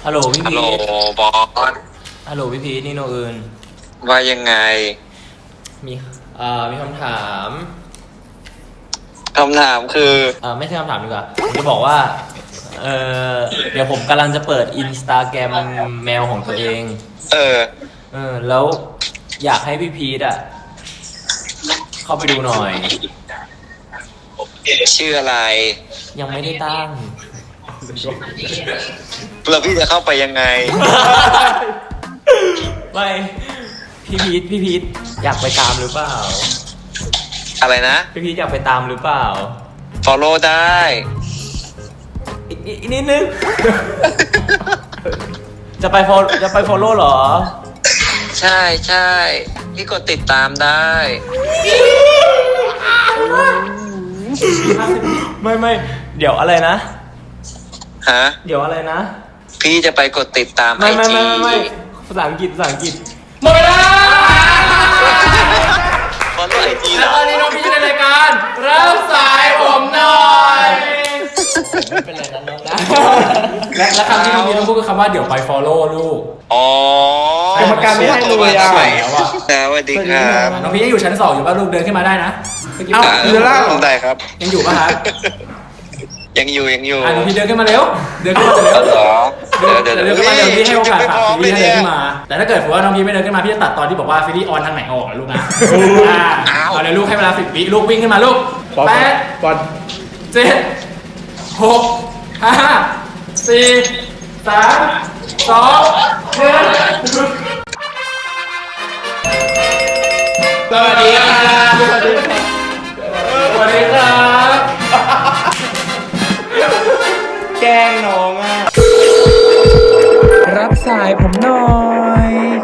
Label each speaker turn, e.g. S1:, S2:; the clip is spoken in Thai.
S1: ฮัลโหลพี่
S2: ฮัล
S1: พี
S2: โหล
S1: ท
S2: บอส
S1: ฮัลโหลพี่พีทนี่โนอื่น
S2: ว่ายังไง
S1: มีมีคำถาม
S2: คำถามคือ
S1: ไม่ใช่คำถามดีกว่าผมจะบอกว่าเดี๋ยวผมกำลังจะเปิดอินสตาแกรมแมวของตัวเอง
S2: เออ
S1: แล้วอยากให้พี่พีทเข้าไปดูหน่อย
S2: ชื่ออะไร
S1: ยังไม่ได้ตั้ง
S2: แล้วพี่จะเข้าไปยังไง
S1: ไม่พี่พีทอยากไปตามหรือเปล่า
S2: อะไรนะ
S1: พี่พีทอยากไปตามหรือเปล่า
S2: follow ได้
S1: อีกนิดนึง จะไปฟอลโล่เหรอ
S2: ใช่ใช่พี่กดติดตามได้
S1: ไม่เดี๋ยวอะไรนะ
S2: ฮะ
S1: เดี๋ยวอะไรนะ
S2: พี่จะไปกดติดตามไอ
S1: ไม่
S2: จี
S1: ภาษาอังกฤษหมดเวลา
S2: follow ไอจี
S1: แล้วตอนนี้น้องพี่อยู่ในรายการรับสายผมหน่อยไม่เป็นไรนะน้องนะและคำที่น้องพี่ต้องพูดคือคำว่าเดี๋ยวไป follow ลูก
S2: อ๋อก
S3: รรมการไม่ให้เลยอ่ะ
S2: สวัสดีครับ
S1: น้องพี่ยังอยู่ชั้น 2อยู่ป่ะลูกเดินขึ้นมาได้นะ
S3: เอ้าอยู่ล่างเหรอ
S2: ได้ครับ
S1: ยังอยู่ป่ะครับ
S2: ยังอยู่
S1: น้องพี่เดินขึ้นมาเร็วเดินขึ้นมาเร็ว
S2: เหรอ
S1: เดินขึ้นมาเร็วพี่ให้โอกาสฝากซีรีส์ให้เดินขึ้นมาแต่ถ้าเกิดว่าน้องพี่ไม่เดินขึ้นมาพี่จะตัดตอนที่บอกว่าซีรีส์ออนทางไหนออกนะลูกนะเอาเลยลูกให้เวลา10 วิลูกวิ่งขึ้นมาลูก
S3: บอล
S1: 8
S3: บอล
S1: 7 6 5 4 3 2 1สวัสดีครับสวัสดีครับ
S3: แกล้งน้องอ่ะ รับสายผมหน่อย